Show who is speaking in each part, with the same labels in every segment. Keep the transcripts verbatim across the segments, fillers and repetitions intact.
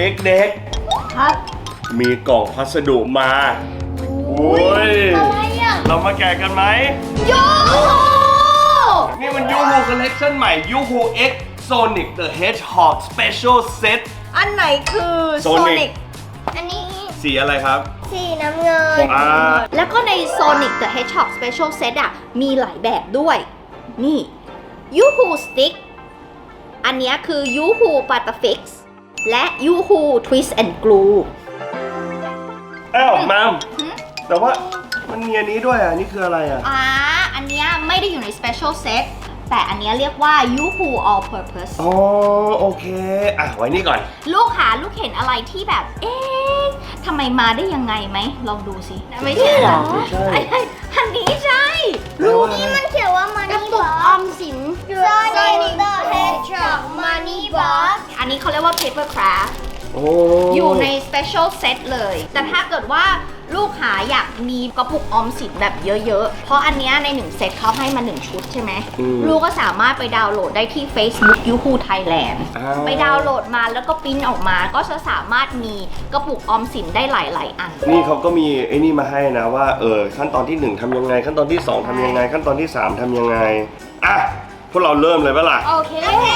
Speaker 1: เด็กๆครับมีกล่องพัสดุมาโอ้ยอะไรอ่ะเรามาแกะกันไหมยูฮูนี่มันยูฮูคอลเลคชั่นใหม่ยูฮู X Sonic the Hedgehog Special Set
Speaker 2: อันไหนคือ
Speaker 1: Sonic
Speaker 3: อันนี้
Speaker 1: สีอะไรครับ
Speaker 3: สีน้ำเงิน
Speaker 1: อ่า
Speaker 2: แล้วก็ใน Sonic the Hedgehog Special Set อ่ะมีหลายแบบด้วยนี่ยูฮูสติ๊กอันนี้คือยูฮูปัตตฟิกซ์และยูฮูทวิสต์แอนด์กลู
Speaker 1: อ้าวมามแต่ว่ามันมีอันนี้ด้วยอ่ะนี่คืออะไรอ่ะ
Speaker 2: อ่าอันเนี้ยไม่ได้อยู่ใน Special Set แต่อันเนี้ยเรียกว่า Yoo-Hoo All Purpose
Speaker 1: อ๋อโอเคอ่ะไว้นี่ก่อน
Speaker 2: ลูกหาลูกเห็นอะไรที่แบบเอ๊ะทำไมมาได้ยังไงไหมลองดูสิไม่ใช่หรอ
Speaker 1: ไม่ใช่
Speaker 2: อันนี้ใช่
Speaker 3: ลูกนี้มันเขียนว่า Money Box ออมสิน Sonic the Hedgehog Money Box
Speaker 2: อันนี้เขาเรียกว่า Paper Craft
Speaker 1: โอ้
Speaker 2: อยู่ใน Special Set เลยแต่ถ้าเกิดว่าลูกหาอยากมีกระปุกออมสินแบบเยอะๆเพราะอันเนี้ยในหนึ่งเซตเขาให้มาหนึ่งชุดใช่ไหมลูกก็สามารถไปดาวน์โหลดได้ที่ Facebook Yoo-Hoo Thailand ไปดาวน์โหลดมาแล้วก็ปริ้นออกมาก็จะสามารถมีกระปุกออมสินได้หลายๆอัน
Speaker 1: นี่เขาก็มีไอ้นี่มาให้นะว่าเออขั้นตอนที่หนึ่งทำยังไงขั้นตอนที่สองทำยังไงขั้นตอนที่สามทำยังไงอ่ะพวกเราเริ่มเลยปะล่ะ
Speaker 2: โอเค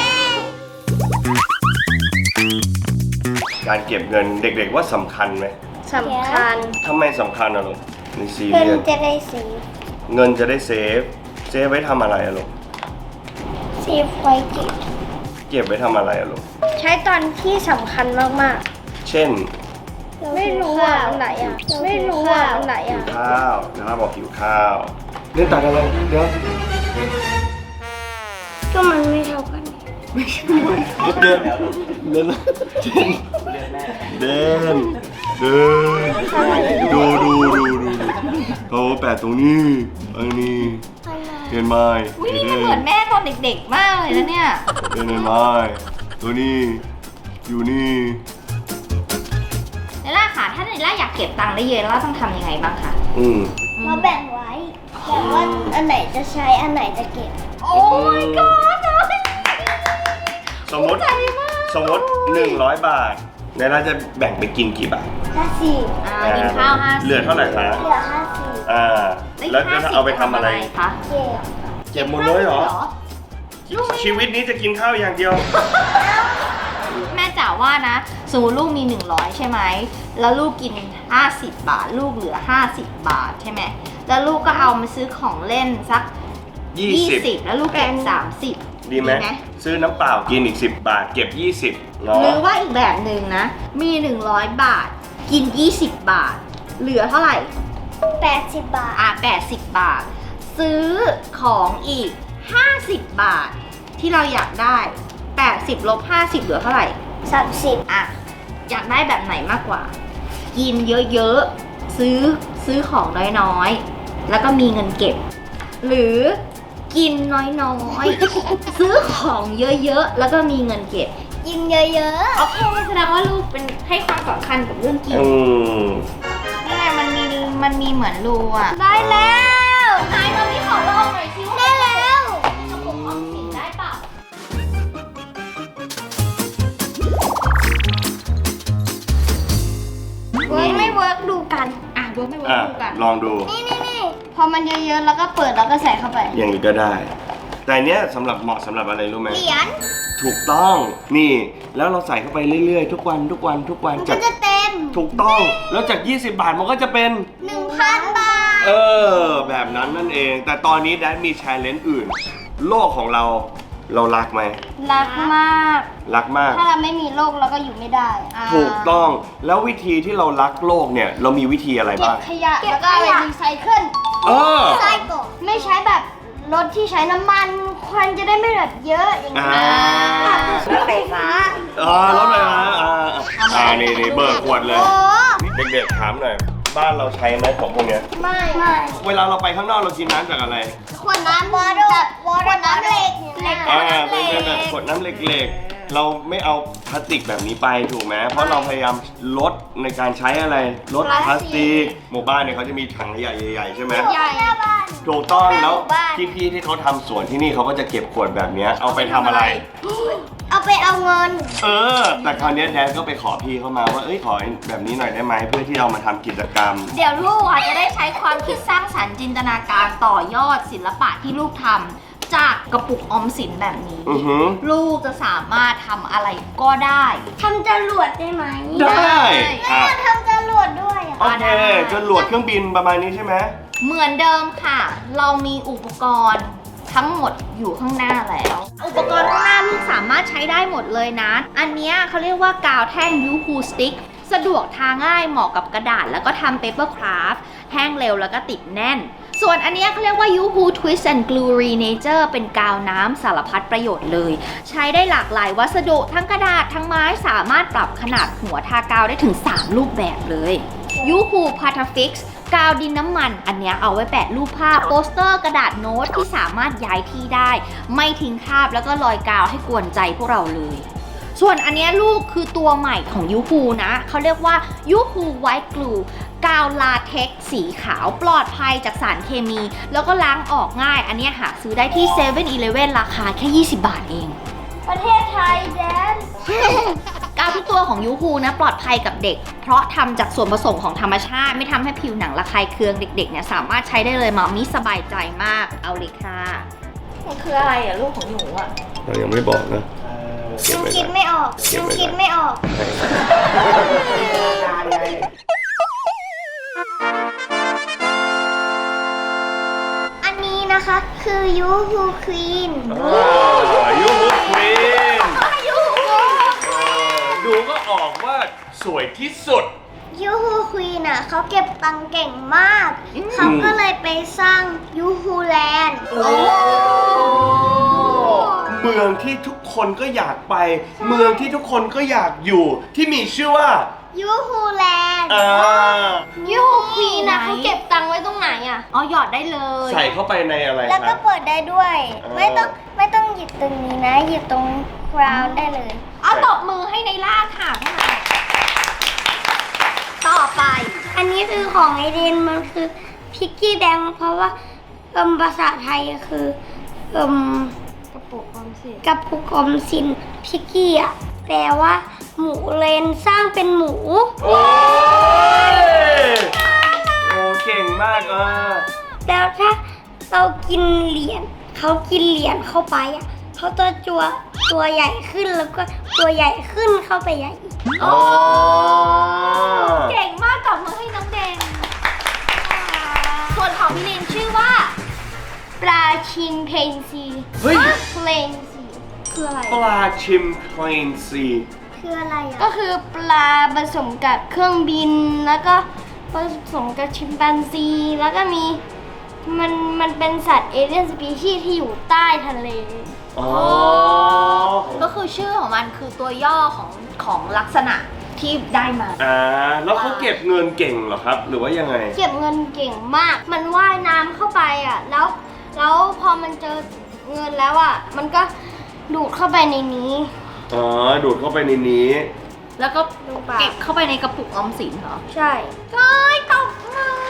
Speaker 1: การเก็บเงินเด็กๆว่าสำคัญไหม
Speaker 3: สำคัญ
Speaker 1: ทำไมสำคัญอะลูกในซี
Speaker 3: เงิน
Speaker 1: เรียส
Speaker 3: จะได้เซฟ
Speaker 1: เงินจะได้เซฟเซฟไว้ทำอะไรอะลูก
Speaker 3: เซฟไว้เก็บ
Speaker 1: เก็บไว้ทำอะไรอะลูก
Speaker 3: ใช้ตอนที่สำคัญมาก
Speaker 1: ๆเช่น
Speaker 3: ไม่รู้ว่าอันไหนอ่ะไม่รู้ว่าอันไหนอ่ะ
Speaker 1: ข้าวนะครับบอกหิวข้าวเล่นตัดอะไรเดี๋ยว
Speaker 3: ก็มันไม่เท่ากัน
Speaker 1: เดินเดินเดินเดินดูดูดูดูเขาแปะตรงนี้อันนี้เห็นไหม
Speaker 2: อุ้ยนี่เหมือนแม่ตอนเด็กๆมากเลยนะเนี่ย
Speaker 1: เห็นไหมตัวนี้อยู่นี่
Speaker 2: เนล่าค่ะถ้าเนล่าอยากเก็บตังค์ได้เยอะแล้วต้องทำยังไงบ้างคะ
Speaker 1: อืม
Speaker 3: มาแบ่งไว้แต่ว่าอันไหนจะใช้อันไหนจะเก็บ
Speaker 2: โอ้ยก็
Speaker 1: สมมติสมมติหนึ่งร้อยบาทในร้านจะแบ่งไปกินกี่บาท
Speaker 3: ห้าสิบ
Speaker 2: อ่ากินข้าวห้าสิบ
Speaker 1: เหลือเท่าไหร่คะ
Speaker 3: เหลือห้าสิบ
Speaker 1: อ่าแล้วจะเอาไปทำอะไร
Speaker 2: คะ
Speaker 3: เก็บ
Speaker 1: เก็บหมดเลยเหรอชีวิตนี้จะกินข้าวอย่างเดียว
Speaker 2: แม่จ๋าว่านะสมมติลูกมีหนึ่งร้อยใช่ไหมแล้วลูกกินห้าสิบบาทลูกเหลือห้าสิบบาทใช่ไหมแล้วลูกก็เอามาซื้อของเล่นสักยี่สิบแล้วลูกเก็บสามสิบ
Speaker 1: ดีไหมซื้อน้ำเปล่ากินอีกสิบบาทเก็บยี่สิบ
Speaker 2: หรือว่าอีกแบบหนึ่งนะมีหนึ่งร้อยบาทกินยี่สิบบาทเหลือเท่าไหร่
Speaker 3: แปดสิบบาท
Speaker 2: อ่ะแปดสิบบาทซื้อของอีกห้าสิบบาทที่เราอยากได้แปดสิบลบห้าสิบเหลือเท่าไหร่
Speaker 3: สามสิบ
Speaker 2: อ่ะอยากได้แบบไหนมากกว่ากินเยอะๆซื้อซื้อของน้อยๆแล้วก็มีเงินเก็บหรือกินน้อยๆซื้อของเยอะๆแล้วก็มีเงินเก็บ
Speaker 3: กินเยอะ
Speaker 2: ๆโอเคแสดงว่าลูกเป็นให้ความสำคัญกับเรื่องกินนี่ไงมันมีมันมีเหมือนรูอ่ะ
Speaker 3: ได้แล้ว
Speaker 2: นายมาพี่ขอลองหน่อยสิ
Speaker 3: ได้แล้ว
Speaker 2: กระปุกออมสินได้เปล่า
Speaker 3: เวิร์กไม่เวิร์กดูกัน
Speaker 2: อ่ะเวิร์กไม่เวิร์กดูกัน
Speaker 1: ลองดู
Speaker 3: นี่นี่นี่พอมันเยอะๆแล้วก็เปิดแล้วก็ใส่เข้าไป
Speaker 1: อย่างนี้ก็ได้แต่เนี้ยสำหรับเหมาะสำหรับอะไรรู้ไหม
Speaker 3: เหรียญ
Speaker 1: ถูกต้องนี่แล้วเราใส่เข้าไปเรื่อยๆทุกวันทุกวันทุกวัน
Speaker 3: จะจะเต็ม
Speaker 1: ถูกต้องแล้วจากยี่สิบบาทมันก็จะเป็น
Speaker 3: หนึ่งพัน บาท
Speaker 1: เออแบบนั้นนั่นเองแต่ตอนนี้แดนมีแชร์เลนส์อื่นโลกของเราเรารักไหม
Speaker 3: รักมาก
Speaker 1: รักมาก
Speaker 3: ถ้าเราไม่มีโลกเราก็อยู่ไม่ได้
Speaker 1: ถูกต้องแล้ววิธีที่เรารักโลกเนี่ยเรามีวิธีอะไรบ้าง
Speaker 3: เก็บขยะแล้วก็เอาไปรีไซเคิล
Speaker 1: เออ
Speaker 3: รีไซเคิลไม่ใช้แบบรถที่ใช้น้ำมันควันจะได้ไม่แบบเยอะอย่างนี้รถไฟฟ้า
Speaker 1: อ๋อรถไฟฟ้าอ่าอ่านี่นี่เบิกขวดเลยเด็กๆถามหน่อยบ้านเราใช้ไหมของพวกเนี้ย
Speaker 3: ไม่ไม่
Speaker 1: เวลาเราไปข้างนอกเรากินน้ำจากอะไร
Speaker 3: ขวดน้ำวอเตอร์ขวดน้ำเหล็ก
Speaker 1: อ่าเป็นแบบขวดน้ำเหล็กๆเราไม่เอาพลาสติกแบบนี้ไปถูกไหมเพราะเราพยายามลดในการใช้อะไรลดพลาสติกหมู่บ้านเนี่ยเขาจะมีถังขยะใหญ่ๆใช่ไหม
Speaker 3: ใหญ่บ้าน
Speaker 1: ถูกต้องแล้ว
Speaker 3: หมู่บ้าน
Speaker 1: พี่ๆที่เขาทำสวนที่นี่เขาก็จะเก็บขวดแบบเนี้ยเอาไปทำอะไร
Speaker 3: เอาไปเอาเงิน
Speaker 1: เออ แต่คราวเนี้ยแดนก็ไปขอพี่เข้ามาว่าเอ้ยขอแบบนี้หน่อยได้ไหมเพื่อที่เอามาทำกิจกรรม
Speaker 2: เดี๋ยวลูกอ่ะจะได้ใช้ความคิดสร้างสรรค์จินตนาการต่อยอดศิลปะที่ลูกทำจากกระปุกออมสินแบบนี้
Speaker 1: อือหือ
Speaker 2: ลูกจะสามารถทำอะไรก็ได้
Speaker 3: ทำจรวดได้ไหม
Speaker 1: ได้อ่ะ
Speaker 3: แม่ทำจรวดด้วยอ่ะ
Speaker 1: โอเคจรวดเครื่องบินประมาณนี้ใช่ไหม
Speaker 2: เหมือนเดิมค่ะ เรามีอุปกรณ์ทั้งหมดอยู่ข้างหน้าแล้ว อุปกรณ์ข้างหน้าลูกสามารถใช้ได้หมดเลยนะ อันเนี้ยเขาเรียกว่ากาวแท่งยูฮูสติ๊กสะดวกทาง่ายเหมาะกับกระดาษแล้วก็ทำเปเปอร์คราฟต์แห้งเร็วแล้วก็ติดแน่น ส่วนอันเนี้ยเขาเรียกว่า ยูฮู Twist and Glue Renature เป็นกาวน้ำสารพัดประโยชน์เลย ใช้ได้หลากหลายวัสดุทั้งกระดาษทั้งไม้สามารถปรับขนาดหัวทากาวได้ถึงสามรูปแบบเลย ยูฮู Patafix กาวดินน้ำมันอันเนี้ยเอาไว้แปะรูปภาพโปสเตอร์กระดาษโน้ตที่สามารถย้ายที่ได้ ไม่ทิ้งคราบแล้วก็รอยกาวให้กวนใจพวกเราเลย ส่วนอันเนี้ยลูกคือตัวใหม่ของยูฮูนะเขาเรียกว่ายูฮูไวท์กลูกาวลาเท็กซ์สีขาวปลอดภัยจากสารเคมี แล้วก็ล้างออกง่าย อันเนี้ยหาซื้อได้ที่เซเว่นอีเลฟเว่นราคาแค่ยี่สิบบาทเอง
Speaker 3: ประเทศไทยแดน
Speaker 2: กาวทุกตัวของยูฮูนะปลอดภัยกับเด็ก เพราะทำจากส่วนผสมของธรรมชาติไม่ทำให้ผิวหนังระคายเคืองเด็กๆเนี่ยสามารถใช้ได้เลยมามิสบายใจมากเอาเลยค่ะมันคืออะไรอะลูกของหนูอะ
Speaker 1: เรายังไม่บอกนะ
Speaker 3: ยังคิดไม่ออกยังคิดไม่ออก อันนี้นะคะคือยูฮูควีน
Speaker 1: ยูฮูควีนดูก็ออกว่าสวยที่สุด
Speaker 3: ยูฮูควีนอ่ะเขาเก็บตังค์เก่งมาก เขาก็เลยไปสร้างยูฮูแลนด์
Speaker 1: เมืองที่ทุกคนก็อยากไป เมืองที่ทุกคนก็อยากอยู่ที่มีชื่อว่า
Speaker 3: ยูฮูแลนด์
Speaker 1: อ่า
Speaker 3: ยูฮูควีนอ่ะเขาเก็บตังค์ไว้ตรงไหนอ่ะ
Speaker 2: อ๋อหยอดได้เลย
Speaker 1: ใส่เข้าไปในอะไรค
Speaker 3: แล้วก็
Speaker 1: รับ
Speaker 3: เปิดได้ด้วย
Speaker 1: เออ
Speaker 3: ไม่ต้องไม่ต้องหยิบตรงนี้นะ หยิบตรงกราวได้เลย
Speaker 2: เอาตบมือให้ในล่าค่ะพวกเราต่อไป
Speaker 3: อันนี้คือของไอเดนมันคือพิกกี้แบงเพราะว่าเอิมภาษาไทยคือเอิมกระปุกออมสินกระปุกออมสินพิกกี้อ่ะแปลว่าหมูเลนสร้างเป็นหมู
Speaker 1: โอ้ยโอ้เก่งมากอ่ะ
Speaker 3: แล้วถ้าเรากินเหรียญเขากินเหรียญเข้าไปอ่ะเขาตัวจัวตัวใหญ่ขึ้นแล้วก็ตัวใหญ่ขึ้นเข้าไปใหญ่อีก
Speaker 1: อ๋อ
Speaker 2: เก่งมากตบมือให้น้องแดงส่วนของพี่ลินชื่อว่า
Speaker 3: ปลาชิมเพนซี
Speaker 1: เฮ้ย
Speaker 3: เพลนซีคืออะไร
Speaker 1: ปลาชิมเพลนซี
Speaker 3: คืออะไรอ่ะก็คือปลาผสมกับเครื่องบินแล้วก็ผสมกับชิมแปนซีแล้วก็มีมันมันเป็นสัตว์เอเลี่ยนสปีชีส์ที่อยู่ใต้ทะเล
Speaker 1: อ๋อ
Speaker 2: ก็คือชื่อของมันคือตัวย่อของของลักษณะที่ได้มา
Speaker 1: อ่าแล้วเขาเก็บเงินเก่งเหรอครับ หรือว่ายังไง
Speaker 3: เก็บเงินเก่งมาก มันว่ายน้ำเข้าไปอ่ะ แล้ว แล้วพอมันเจอเงินแล้วอ่ะ มันก็ดูดเข้าไปในนี้
Speaker 1: อ๋อ ดูดเข้าไปในนี้
Speaker 2: แล้วก็
Speaker 3: ดูปาก
Speaker 2: เก็บเข้าไปในกระปุกออมสินเหรอ
Speaker 3: ใช่
Speaker 2: เฮ้ยตบมือ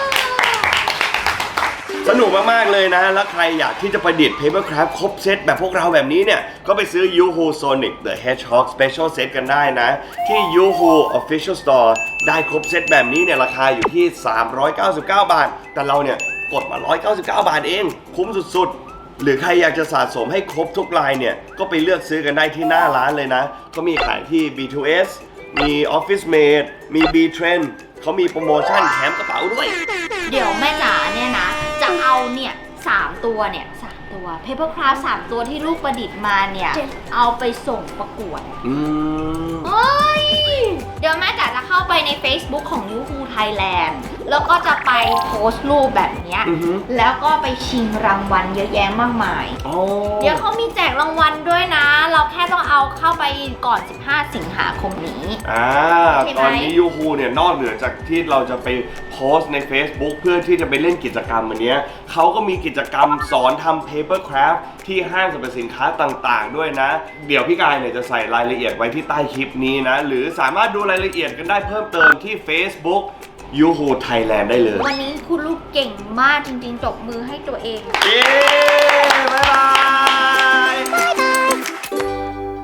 Speaker 1: สนุกมากๆเลยนะ แล้วใครอยากที่จะประดิษฐ์ Papercraft ครบเซตแบบพวกเราแบบนี้เนี่ย ก็ไปซื้อ Yoo-Hoo Sonic the Hedgehog Special Set กันได้นะ ที่ Yoo-Hoo Official Store ได้ครบเซตแบบนี้เนี่ยราคาอยู่ที่ สามร้อยเก้าสิบเก้า บาท แต่เราเนี่ยกดมา หนึ่งร้อยเก้าสิบเก้า บาทเอง คุ้มสุดๆ หรือใครอยากจะสะสมให้ครบทุกลายเนี่ย ก็ไปเลือกซื้อกันได้ที่หน้าร้านเลยนะเขามีขายที่ บี ทู เอส มี Office Mate มี B-Trend เขามีโปรโมชั่นแถมกระเป๋าด้วย
Speaker 2: เดี๋ยวแม่จ๋าเนี่ยนะ จะเอาเนี่ยสามตัวเนี่ยสามตัว Papercraft สามตัวที่ลูกประดิษฐ์มาเนี่ย เอาไปส่งประกวด
Speaker 1: อืม
Speaker 2: เฮ้ย เดี๋ยวแม่จ๋าจะเข้าไปใน Facebook ของ Yoo-Hoo Thailand แล้วก็จะไปโพสต์รูปแบบเนี้ย
Speaker 1: อือฮึ
Speaker 2: แล้วก็ไปชิงรางวัลเยอะแยะมากมาย
Speaker 1: อ๋อ
Speaker 2: เดี๋ยวเขามีแจกรางวัลด้วยนะ เราแค่ต้องเอาเข้าไปก่อน สิบห้า สิงหาคมนี้
Speaker 1: อ่า
Speaker 2: ใช่ไหม
Speaker 1: ตอนนี้ยูฮูเนี่ยนอกเหนือจากที่เราจะไปโพสต์ใน Facebook เพื่อที่จะไปเล่นกิจกรรมอันเนี้ยเขาก็มีกิจกรรมสอนทำ paper craft ที่ห้างสรรพสินค้าต่างๆด้วยนะ เดี๋ยวพี่กายเนี่ยจะใส่รายละเอียดไว้ที่ใต้คลิปนี้นะ หรือสามารถดูรายละเอียดกันได้เพิ่มเติมที่ Facebook ยูฮูไทยแลนด์ได้เลย
Speaker 2: วันนี้คุณลูกเก่งมากจริงๆจบมือให้ตัวเอง
Speaker 1: เย้ บ๊ายบาย